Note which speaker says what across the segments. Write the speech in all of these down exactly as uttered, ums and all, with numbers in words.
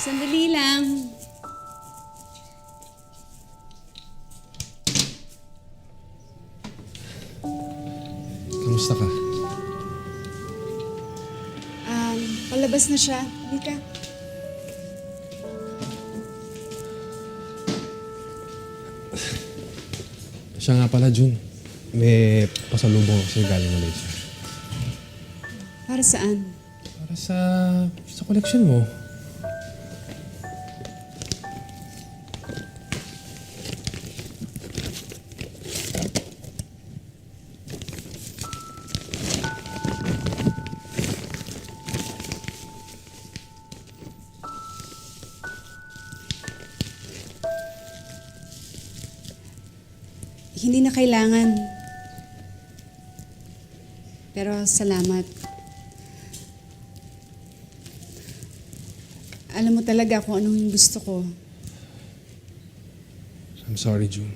Speaker 1: Sandali lang.
Speaker 2: Kamusta ka?
Speaker 1: Um, palabas na siya. Hindi ka.
Speaker 2: Siya nga pala, Jun. May pasalubong ako sa'yo galing Malaysia.
Speaker 1: Para saan?
Speaker 2: Para sa... sa collection mo.
Speaker 1: Hindi na kailangan. Pero salamat. Alam mo talaga kung anong gusto ko.
Speaker 2: I'm sorry, Jun.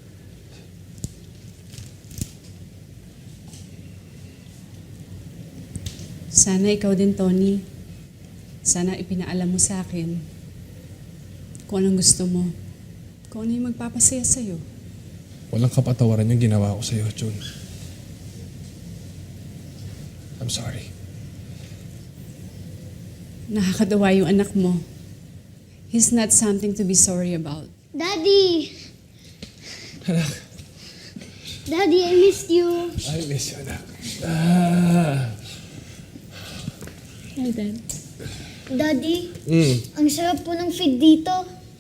Speaker 1: Sana ikaw din, Tony. Sana ipinaalam mo sa akin kung anong gusto mo. Kung ano yung magpapasaya sa'yo.
Speaker 2: Walang kapatawaran yung ginawa ko sa'yo, Jun. I'm sorry.
Speaker 1: Nakakadawa yung anak mo. He's not something to be sorry about.
Speaker 3: Daddy!
Speaker 2: Anak,
Speaker 3: Daddy, I missed you.
Speaker 2: I miss you, anak. Ah.
Speaker 3: Hi, Dad. Daddy,
Speaker 2: Mm.
Speaker 3: ang sarap po ng feed dito.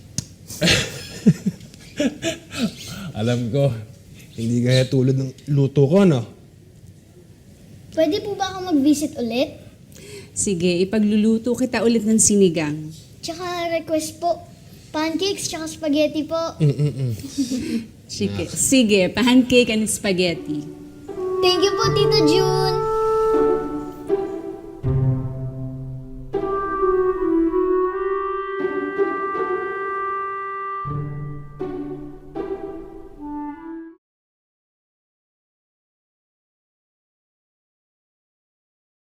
Speaker 2: Alam ko, hindi kaya tulad ng luto ko, no?
Speaker 3: Pwede po ba ako mag-visit ulit?
Speaker 1: Sige, ipagluluto kita ulit ng sinigang.
Speaker 3: Tsaka request po, pancakes tsaka spaghetti po.
Speaker 2: Mm-mm-mm.
Speaker 1: Sige, sige, pancake and spaghetti.
Speaker 3: Thank you po, Tita June.